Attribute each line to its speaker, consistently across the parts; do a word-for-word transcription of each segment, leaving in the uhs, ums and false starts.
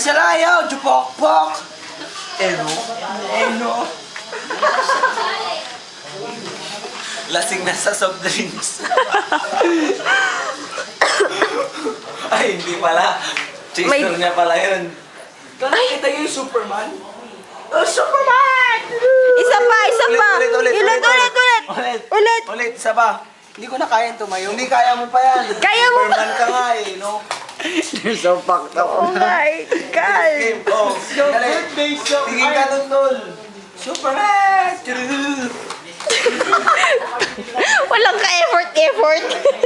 Speaker 1: sila ayaw, jupok-pok. Eno. Eno. Lasing na sa soft drinks. Ay, hindi pala. Chaser
Speaker 2: May-
Speaker 1: niya pala yun. Nakita yung Superman? Oh, Superman!
Speaker 2: Isa pa, isa
Speaker 1: Ulit,
Speaker 2: pa.
Speaker 1: ulit, ulit,
Speaker 2: Ulit,
Speaker 1: ulit,
Speaker 2: ulit, ulit.
Speaker 1: Ulit.
Speaker 2: Ulit.
Speaker 1: Ulit, isa pa. Hindi ko na kayang tumayo. Hindi kaya mo pa yan.
Speaker 2: Kaya mo pa.
Speaker 1: Superman ka nga eh, no? You're so fucked up.
Speaker 2: Oh my God.
Speaker 1: Game, oh. Dali. Tingin ka nun, tol. Superman!
Speaker 2: Walang ka-effort, effort.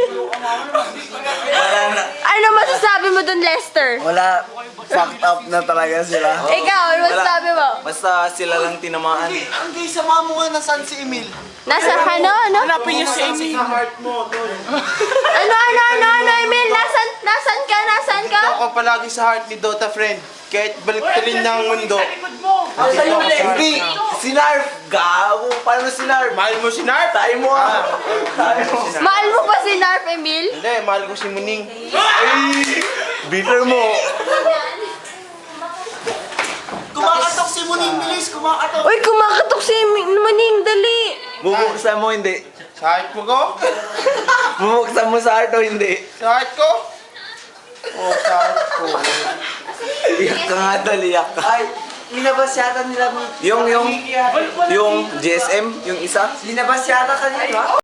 Speaker 1: Wala na.
Speaker 2: Ano masasabi mo dun, Lester?
Speaker 1: Wala. Fucked up na talaga sila.
Speaker 2: Ikaw, ano masasabi mo?
Speaker 1: Basta sila lang tinamaan.
Speaker 3: Ang gay, sama mo nga nasaan si Emil.
Speaker 2: Nasa ano, ano?
Speaker 3: Hanapin niyo si Emil. Sa heart mo, tol.
Speaker 2: Ano, ano, ano, ano, Emil? Nasan, nasan ka, nasan ka?
Speaker 3: Ako palagi sa heart ni Dota, friend. Kahit baliktarin niya ang mundo.
Speaker 1: Asa yung Hindi. Si Narf. Gago. Paano si Narf?
Speaker 3: Mahal mo si Narp?
Speaker 1: Tayo mo ah. Tayo mo.
Speaker 2: Mahal mo pa si Narf, Emil?
Speaker 3: Hindi, mahal ko si Muning.
Speaker 1: Ay! Bitter mo.
Speaker 3: Kumakatok si Muning, bilis, kumakatok.
Speaker 2: Uy, kumakatok si Maning, dali.
Speaker 1: Bubuksan mo hindi.
Speaker 3: Sa heart mo ko?
Speaker 1: Bubuksan mo sa heart o hindi.
Speaker 3: Sa heart ko? Oh, sa heart ko.
Speaker 1: Iyak ka nga tol. Iyak ka.
Speaker 4: Ay, linabas yata nila.
Speaker 1: Yung, yung, yung G S M, yung isa.
Speaker 4: Linabas yata kanina.